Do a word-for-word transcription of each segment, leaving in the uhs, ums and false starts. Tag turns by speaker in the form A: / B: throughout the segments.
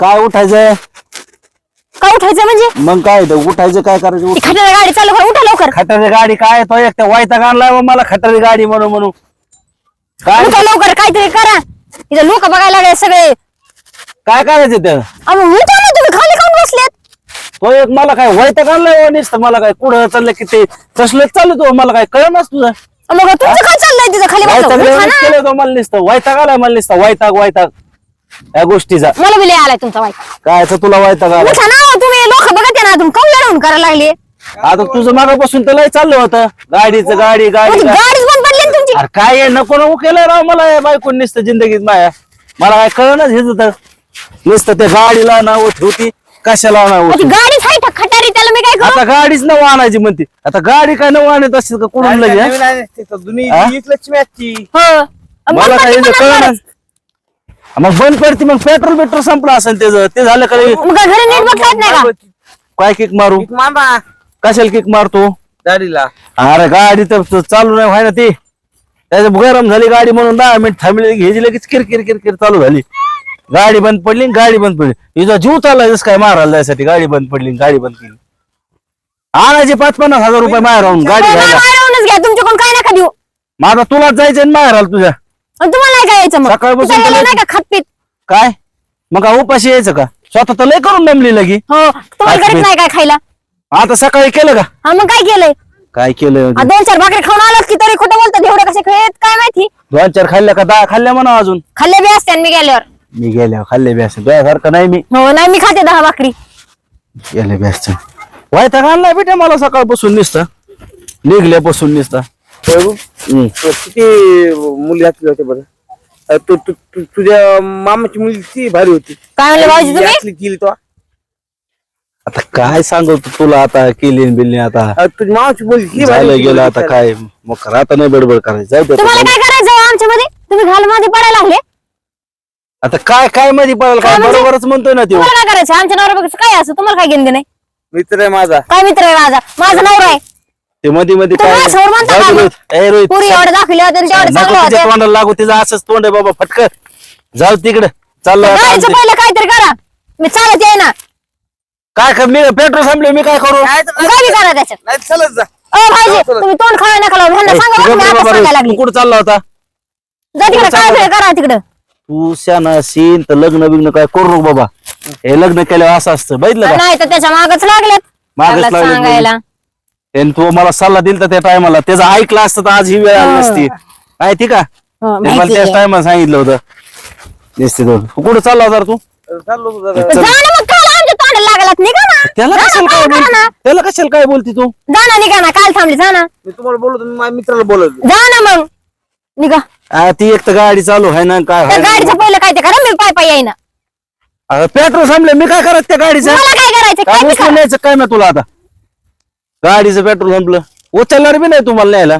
A: काय उठायचंय
B: काय उठायचं म्हणजे
A: मग काय ते उठायचं काय करायचं उठ-
B: खटारा गाडी चालू करा उठा लवकर
A: खटारी गाडी काय तो एक वायता आणलाय मग मला खटारी गाडी म्हणून म्हणून काय
B: उठा लवकर काहीतरी करा इथं लोक बघायला लागले सगळे
A: काय करायचं त्या
B: अहो उठा ना तुम्ही खाली खाऊन बसलेत
A: तो एक मला काय वायता आणलाय नुसतं मला काय कुठं चाललं की ते तसलं चालू तो मला काय कळणार तुझं
B: मग तुमचं काय चाललंय तिथं खाली बसलं?
A: वैताग
B: उठा ना.
A: केलं तो मला नुसतं वैताग आलाय मला नुसतं वैताग वैताग या गोष्टीचा
B: मला बी लय आलाय तुमचा वाईट
A: काय तर तुला वैताग आला
B: उठा ना तुम्ही लोक बघत आहे ना तुम्ही कौल लढवून करायला लागले
A: आता तुझं मागापासून तर लय चाललं होतं गाडीचं गाडी गाडी गाडी.
B: गाडीच बंद पडली ना तुमची
A: अरे काय आहे, नको नको केलं राव मला या बायकोन नुसतं जिंदगीत माया मला काय कळणच हेच होतं नुसतं त्या गाडीला नाव ठेवती कशाला नाव
B: ती गाडीच आहे का खटारी त्याला मी काय करू
A: आता गाडीच नव आणायची म्हणते आता गाडी काय नव आणत असेल का कुठून लगे हा? हा?
C: लक्ष्मी आजची
B: हो बंद
A: मला काय
B: पडली पण
A: कळणार
B: आता.
A: मग बंद पडते मग पेट्रोल पेट्रोल संपलं असेल त्याचं ते झालं का रे?
B: मग घरी नीट बघता येत नाही का
A: काय किक मारू
C: मामा
A: कशाला किक मारतो
C: गाडीला
A: अरे गाडी तर त- चालू नाही व्हाय ना ती त्याच्या गरम झाली गाडी म्हणून दहा मिनिट थांबली घ्यायची लगेच किरकिर किरकिर चालू झाली गाडी बंद पडली आणि गाडी बंद पडली तिचा जीव चाललाय जसं काय मारायला जायसाठी गाडी बंद पडली आणि गाडी बंद केली आणायचे पाच पन्नास हजार रुपये माहेर राहून गाडी
B: हो,
A: घ्यायला
B: मारावूनच घ्या तुमच्याकडून काय नका देऊ
A: माझा तुलाच जायचं आणि माहेर आला तुझ्या
B: आणि तुम्हाला नाही काय यायचं मग
A: सकाळपासून
B: तुमच्या
A: तुला-
B: याला नाही का खातपीत
A: काय मग काय उपाशी यायचं का स्वतः तर लय करून नमली लगी
B: हो तुम्हाला
A: खातपीत.
B: घरीच नाही काय खायला
A: आता सकाळी केलं का
B: हा मग काय केलंय
A: काय केलं
B: आ, दोन चार भाकरी खाऊन आलात की तरी खोटं बोलतात एवढे कसे खेळत काय माहिती
A: दोन चार खाल्ल्या का दहा खाल्ल्या म्हणा अजून
B: खाल्ले बी असते मी गेल्यावर
A: मी गेल्या खाल्ले बी असं तुझ्यासारखं नाही मी
B: हो नाही मी खाते दहा भाकरी
A: गेले बी असं वायता आणलाय बेटा मला सकाळपासून निसता निघल्यापासून निसता हम्म.
C: किती मुली घातली होते बरं अ, तू तू- तू- तुझ्या मामाची मुलगी किती भारी होती
B: काय म्हणले भाऊजी तुम्ही
C: घातली केली तो
A: आता काय सांगू तू तुला आता केली न बिल्ली आता
C: अ, तुझ्या मामाची मुलगी किती भारी
A: झालं
C: होती
A: गेलं
C: बरं
A: आता
C: विचार.
A: काय मग आता नाही बडबड करायचं जाऊ दे
B: तुम्हाला
A: आता.
B: काय करायचं आमच्या मध्ये तुम्ही घाल मध्ये पडायला लागले
A: आता काय काय मध्ये पडेल काय
B: काय म्हणजे?
A: बरोबरच म्हणतोय ना तो
B: तुम्हाला काय करायचं आमच्या नवरा बघायचं काय असं तुम्हाला काय घेणं नाही
C: मित्र आहे माझा
B: काय मित्र आहे माझा माझा नवरा आहे
A: ते मध्ये मध्ये
B: तुम्ही
A: काय
B: माझ्यावर म्हणता
A: जाऊ
B: का
A: दे
B: मग?
A: रोहित. ए रोहित,
B: पुरी एवढे दाखवले होते आणि तेवढे
A: नको
B: चांगलं
A: तिच्या
B: होते
A: तोंडाला लागू तिचं असंच तोंड आहे बाबा फटकर जाऊ तिकडे चाललं आता
B: गाडीचं
A: आमचं.
B: पहिलं काहीतरी करा मी चालत येईना
A: काय कर मी पेट्रोल संपले मी काय करू
C: काय तर-
B: काय बी करा त्याच्यात
C: नाही चलत जा
B: अ भाईजी तुम्ही तोंड खावा नका लावू ह्यांना
A: ए,
B: सांगा
A: तू
B: बरं, मी
A: गप्प
B: आता
A: बाबा
B: सांगायला
A: रे.
B: लागली
A: तू कुठं चालला होता
B: जा तिकडे काय
A: चाललं.
B: बी करा तिकडं
A: तू शाना सीन तर लग्न बिग्न काय करू नको बाबा हे लग्न केल्यावर असं असतं बघितलं का
B: नाही तर त्याच्या मागच लागलेत
A: मागच
B: लागलेत
A: लागलेत
B: सांगायला
A: त्याने तू मला सल्ला दिलता त्या टायमाला त्याचा ऐकला असतं तर आज ही वेळ आली नसती माहिती का
B: हो,
A: त्याने मला
B: माहिती
A: त्याच
B: आहे.
A: टायमाला सांगितलं होतं निश्चित होतं. तू कुठं चालला होता रे तू
C: चाललो होतो जरा.
B: जा ना मग काल आमच्या तोंडाला लागलात निघा ना
A: त्याला
B: जा ना,
A: कशाला काय
B: करा
A: बोलती
B: ना.
A: त्याला कशाला काय बोलती तू
B: जा ना निघा ना काल थांबली जा ना
C: मी तुम्हाला बोलतो मी माझ्या मित्राला बोलवतो
B: जा ना मग निघा
A: आ, ती एक तर गाडी चालू आहे ना काय
B: त्या गाडीचं पहिलं काय ते करा मी पाय पाय येईना
A: पेट्रोल संपले मी काय करत त्या गाडीचं
B: मला काय करायचं
A: काय
B: काय बी
A: उचलून
B: करा.
A: न्यायचं काय ना तुला आता गाडीचं पेट्रोल संपलं उचलणार बी नाही तुम्हाला न्यायला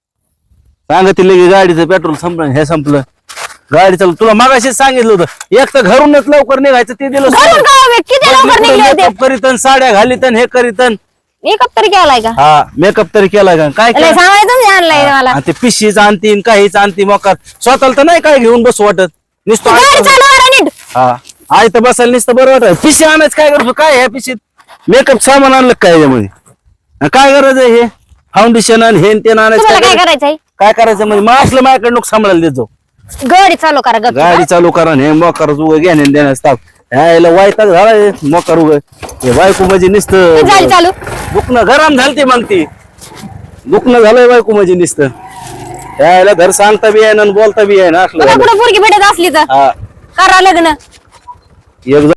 A: सांगत लगे गाडीचं पेट्रोल संपलं हे संपलं गाडी चालू तुला मागाशीच सांगितलं होतं एक तर घरूनच लवकर निघायचं ते दिलं
B: घरून
A: सोडून.
B: गाव आहे, किती लवकर निघले होते
A: मेकअप करीतन साड्या घालीतन हे करीतन
B: मेकअप तरी केलाय का
A: हा मेकअप तरी केलाय का काय
B: लय
A: केलं?
B: सांगायचं मी आणलंय मला
A: आणि ते पिशीच आणतीन काहीच आणती मोकार स्वतःला तर नाही काय घेऊन बसू वाटत नुसतं
B: गाडी
A: ऐकून-
B: चालवा नीट
A: हा आई तर बसायला नुसतं बरं वाटत पिशी आणायचं काय करतो काय ह्या पिशीत मेकअप सामान आणलं काय याच्यामध्ये आणि काय गरज आहे हे फाउंडेशन आणि हे न ते आणायचं
B: तुम्हाला
A: काय
B: काय
A: गरज?
B: करायचंय
A: काय करायचं म्हणजे मग असलं माझ्याकडे नको सांभाळायला देत जाऊ
B: गाडी चालू करा गप
A: गाडी चालू करा आणि हे मोकार उगं घेणे देण्यास ताप ह्याला वायताक झाला हे मोकार उगं हे बायको म्हणजे नुसतं
B: झाली चालू
A: दुखणं गरम झालती मग ती दुखणं झालंय बायको म्हणजे नुसतं ह्याला घर सांगता बी आहे ना आणि बोलता बी आहे ना असलं
B: बघा
A: झालं.
B: कुठं पोरगी भेटत असली तर
A: हा
B: करा लग्न
A: एक